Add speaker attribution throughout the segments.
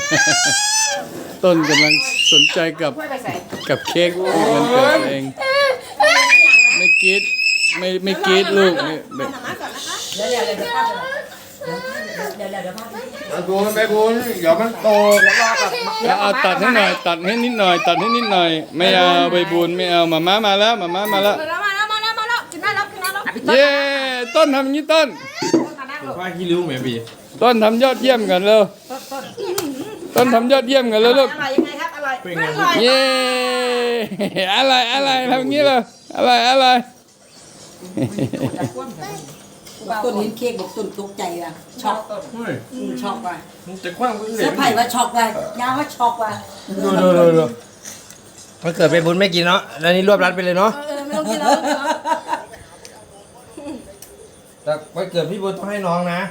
Speaker 1: ต้นกำลังสนใจกับเค้กวันเกิดเองไม่กรีดไม่กรีดลูกไม่
Speaker 2: เดี๋ยวพาไปเดี๋ยวพาไป
Speaker 3: ไปบุญเดี๋ยวมันโตแล้วรอกับ
Speaker 1: เอาตัดให้หน่อยตัดให้นิดหน่อยไม่เอาใบบุญไม่เอามาม่ามาแล้ว
Speaker 4: มาแล้วกินได้แล้ว
Speaker 1: เย้ต้นทำอย่างนี้ต้น
Speaker 3: ว่าขี้ริ้วเหมือนบี
Speaker 1: ต้นทำยอดเยี่ยมกันเร็วต้นทำยอดเยี่ยมกันเลยลูก
Speaker 2: อร่อยยังไงครับอร่อย
Speaker 3: เป็นไง
Speaker 1: เย้อะไรทำอย่างนี้เลยอะไร
Speaker 2: ต้นเห็นเค้กบอกต้นตกใจว่ะช็อก
Speaker 3: เฮ้ย
Speaker 2: ช็อกว่ะ
Speaker 3: มันจะคว้างก็เห
Speaker 2: เสื้
Speaker 3: ลื
Speaker 2: อผ้าว่าช็อกว่ะยาว่าช็อกว่ะ
Speaker 3: ดูมันเกิดไปบุญไม่กินเนาะแล้วนี่รวบรัดไปเลยเนาะ
Speaker 4: ไม่ต้องกินแล้ว
Speaker 3: แต่วันเกิดพี่บุญต้องให้น้องนะ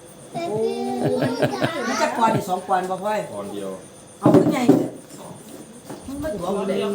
Speaker 2: มันจะกวนอีก2 กวนบ่พ่อย
Speaker 3: ตอนเดียว
Speaker 2: เอาขึ้นใหญ่มันมาตัวมันเลย200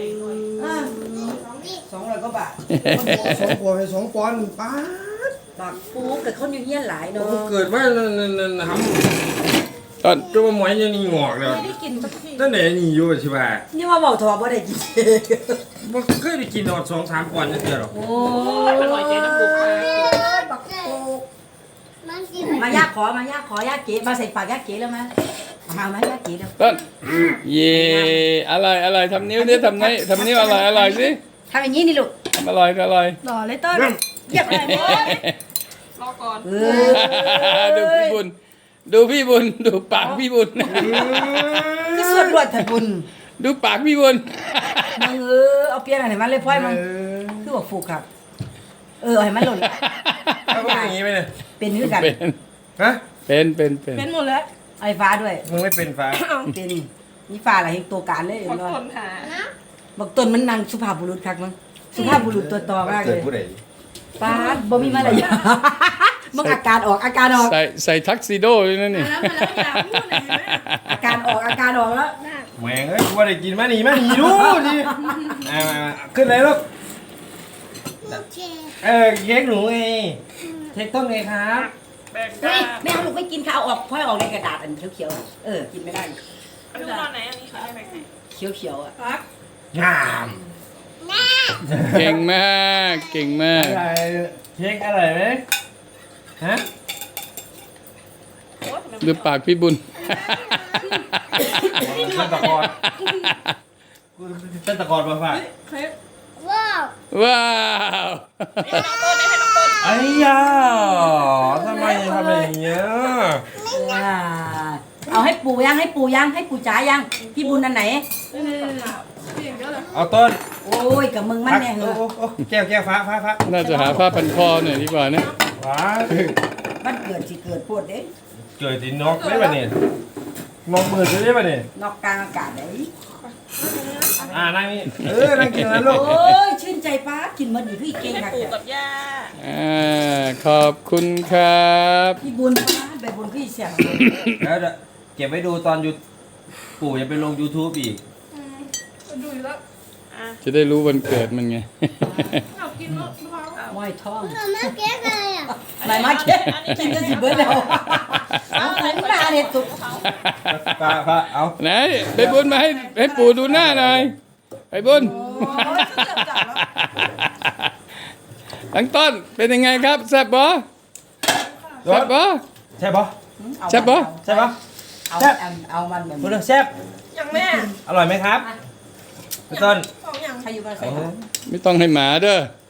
Speaker 2: กว่าบาท
Speaker 3: 2 ปอนด์2 ปอนด์ป้า
Speaker 2: บากปูเกิดคนอยู่เฮียนหลายเนาะ
Speaker 3: เกิดมาทำ
Speaker 1: ต้น
Speaker 3: ตัวหมวยยังนี่งอกเลย
Speaker 4: ไม่ได้กินสักที
Speaker 3: ตั้งแต่นี่อยู่ใช่ป่ะ
Speaker 2: นี่ว่าเบาทอบ่ได้กิน
Speaker 3: มันเคยได้กินนอน2-3 ปอนด์นี่เดียวหรอ
Speaker 2: โอ้
Speaker 4: อร่อยใจน้ำปูค่ะ
Speaker 2: บักปูมายากขอยากเก๋มาใส่ปากยากเก๋แล้วมายากเก๋แล้ว
Speaker 1: ต้นเย่อะไรทำนิ้วดิทำนิ้วอะไรสิ
Speaker 2: ทำอย่างนี้นี่ลูก
Speaker 1: ทำอะไร
Speaker 4: หล่อเลยเต้ยเหยียบอะไรเนี่ยรอก่อน
Speaker 1: ดูพี่บุญดูปากพี่บุญ
Speaker 2: คือส่วนรวดแต่บุญ
Speaker 1: ดูปากพี่บุญ
Speaker 2: มึงเอาเปลี่ยนอะไรมาเลยพ่อยมึงคือบอกฟูกครับให้มันหล่น
Speaker 3: แล้วก็อย่างนี้ไปเลย
Speaker 2: เป็นคือกัน
Speaker 1: เป็น
Speaker 3: ฮะ
Speaker 1: เป็น
Speaker 4: เป็นหมดแล้ว
Speaker 2: ไอ้ฟ้าด้วย
Speaker 3: มึงไม่เป็นฟ้า
Speaker 2: เป็นนี่ฟ้าอะไรเห็นตัวการเลย
Speaker 4: ขอ
Speaker 2: เนาะ
Speaker 4: ทนหา
Speaker 2: บอกต้นมันนางสุภาพบุรุษคักมั้งสุภาพบุรุษตัวต่อมากเลยป้าบ่มีมารยาทมึงอาการออก
Speaker 1: ใส่ทักซิโดด้วยนั่นนี่
Speaker 4: แล้วอย่าพูดเลยนะ
Speaker 2: อาการออกแล้ว
Speaker 3: แหวงเอ้ยกูว่าได้กินมาหนีดูดิขึ้นเลยลูกเค้กหนูไงเค้กต้นไงครับ
Speaker 4: แบ่ง
Speaker 2: เฮ้
Speaker 4: กั
Speaker 2: ย
Speaker 4: น
Speaker 2: ไม่เอาลูกไม่กินข้าวออกพ่อยออกในกระดาษอันเขียวๆกินไม่ได้
Speaker 4: ดูตอนไหนอันนี้ค่ะให้แบ่งไหน
Speaker 2: เขียวๆอ่ะ
Speaker 4: ครับ
Speaker 3: งาม
Speaker 1: เก่งมาก
Speaker 3: อะไรเค้กอร่อยไหมฮะ
Speaker 1: ดูปากพี่บุญ
Speaker 3: เป็นตะกอนเป็นตะกอนมาฝาก
Speaker 1: ว้าว
Speaker 4: ให้น้องต้นให้น้องต้น
Speaker 3: ไอ้ยาทำไมทำอย่างเงี้ย
Speaker 2: เอาให้ปู่ยังให้ปู่จ๋ายังพี่บุญอันไหน
Speaker 4: พี่อย่างเดียวเลย
Speaker 3: เอาต้น
Speaker 2: โอ้ยกับมึงมันแน่เหรอ
Speaker 3: แก้วฟ้า
Speaker 1: น่าจะหาผ้าพันคอหน่อยดีกว่านะ
Speaker 3: ฟ้า
Speaker 2: มันเกิดสิเกิดปวดเด้
Speaker 3: เกิดที่นกได้ป่ะเนี่ยนกมือได้ป่ะเนี่ย
Speaker 2: นอกกลางอากาศได้
Speaker 3: นั่งนี่นั่งกินแล้วลูก
Speaker 2: โอ้ยชื่นใจป้ากินมันอยู่พี่เก่ง
Speaker 4: ให้
Speaker 2: ค่ะ
Speaker 4: ปู่กับย่า
Speaker 1: ขอบคุณครับ
Speaker 2: พี่บุญป้าแบบบุญพี่เสียง
Speaker 3: แล้วเก็บไว้ดูตอนปู่จะไปลง YouTube อีก
Speaker 4: ดูอยู่แล้ว
Speaker 1: จะได้รู้วันเกิดมันไง
Speaker 4: เอากินแล้วดูเขา
Speaker 2: ว่ายท้อง
Speaker 5: มาเก๊กอะไรอ่ะ
Speaker 2: ไหนมาเก็กินจะสิเบิร์ดแล้วเอาไหนมาเนี่ยตุก
Speaker 3: ฟ้าเอา
Speaker 1: ไหนไปบุญมาให้ปู่ดูหน้าหน่อยไปบุญทั้งต้นเป็นยังไงครับแซ่บบ่แซ่บบ่
Speaker 3: ใช่ปะ
Speaker 1: แซ่บบ่
Speaker 3: ใช่ปะ
Speaker 2: เอามันแบบ
Speaker 3: พูดเรื่องแซ่บ
Speaker 4: อย่างแม่
Speaker 3: อร่อยไหมครับพี่ต้น
Speaker 4: สองอย่าง
Speaker 2: ใครอยู่บ้านใส่
Speaker 1: ไม่ต้องให้หมาเด้อ